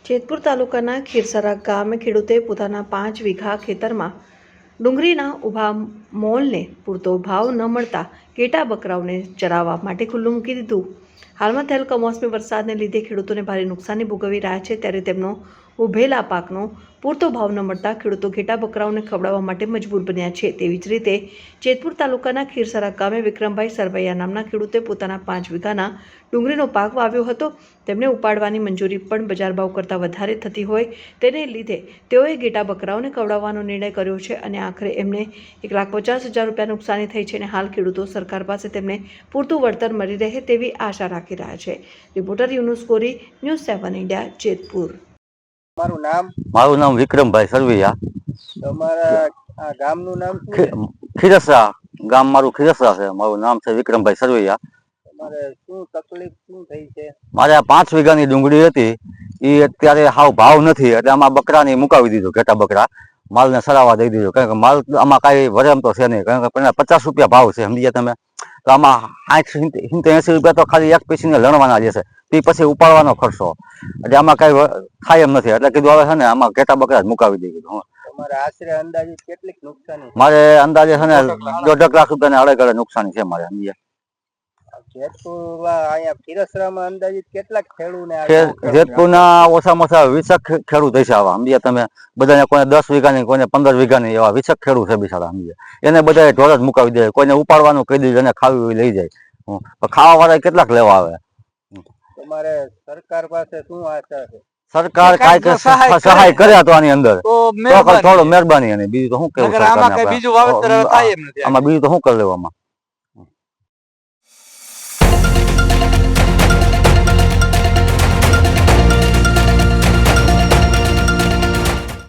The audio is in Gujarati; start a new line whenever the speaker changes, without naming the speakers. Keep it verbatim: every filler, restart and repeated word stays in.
જેતપુર તાલુકાના ખીરસરા ગામે ખેડૂતે પોતાના પાંચ વીઘા ખેતરમાં ડુંગળીના ઊભા મોલને પૂરતો ભાવ ન મળતા ઘેટા બકરાઓને ચરાવવા માટે ખુલ્લું મૂકી દીધું। હાલમાં થયેલ કમોસમી વરસાદને લીધે ખેડૂતોને ભારે નુકસાની ભોગવી રહ્યા છે, ત્યારે તેમનો ઉભેલા પાકનો પૂરતો ભાવ ન મળતા ખેડૂતો ઘેટા બકરાઓને ખવડાવવા માટે મજબૂર બન્યા છે। તેવી જ રીતે જેતપુર તાલુકાના ખીરસરા ગામે વિક્રમભાઈ સરવૈયા નામના ખેડૂતે પોતાના પાંચ વીઘાના ડુંગળીનો પાક વાવ્યો હતો। તેમને ઉપાડવાની મંજૂરી પણ બજાર ભાવ કરતાં વધારે થતી હોય તેને લીધે તેઓએ ઘેટા બકરાઓને ખવડાવવાનો નિર્ણય કર્યો છે અને આખરે એમને એક લાખ પચાસ હજાર રૂપિયા નુકસાની થઈ છે અને હાલ ખેડૂતો સરકાર પાસે તેમને પૂરતું વળતર મળી રહે તેવી આશા રાખી રહ્યા છે। રિપોર્ટર યુનુસ કોરી, ન્યૂઝ સેવન ઇન્ડિયા, જેતપુર।
મારું નામ
મારું નામ વિક્રમભાઈ સરવૈયા।
તમારા આ ગામનું નામ શું છે?
ખીરસરા ગામ મારું ખીરસરા છે। મારું નામ છે વિક્રમભાઈ સરવૈયા।
તમારે શું તકલીફ શું થઈ છે?
મારે આ પાંચ વીઘાની ડુંગળી હતી, એ અત્યારે હાવ ભાવ નથી, એટલે આમાં બકરાને મુકાવી દીધો, ઘેટા બકરા માલને સરાવા દઈ દીધો, કારણ કે માલ આમાં કાંઈ વરમ તો છે નહીં, કારણ કે પહેલા પચાસ રૂપિયા ભાવ છે, સમજી તમે? તો આમાં આઠ સિત્તેર એસી રૂપિયા તો ખાલી એક પીસીને લણવાના જશે, તે પછી ઉપાડવાનો ખર્ચો, એટલે આમાં કાંઈ થાય એમ નથી, એટલે કીધું હવે છે ને આમાં ઘેટા બકરા જ મુકાવી દઈ દીધું।
તમારે આશરે અંદાજિત કેટલીક નુકસાની?
મારે અંદાજે છે ને દોઢ લાખ રૂપિયાની અડગ અડગ નુકસાની છે મારે સમજ્યા।
જેતપુરમાં અહીંયા ખીરસરામાં અંદાજિત કેટલાક ખેડૂતને
જેતપુરના ઓછામાં ઓછા વીસક ખેડૂત હશે આવા, સમજ્યા તમે? બધાને કોઈને દસ વીઘાની, કોઈને પંદર વીઘાની, એવા વીસક ખેડૂત છે બિચારા, સમજ્યા? એને બધા ઢોર જ મુકાવી દે, કોઈને ઉપાડવાનું કહી દીધું, એને ખાવી હોય લઈ જાય, ખાવા વાળા કેટલાક લેવા આવે।
તમારે સરકાર પાસે શું આશા છે?
સરકાર કાંઈક સહાય કરે તો આની અંદર થોડો મહેરબાની, અને બીજું તો શું કેવું, આમાં બીજું તો શું કરી લેવામાં?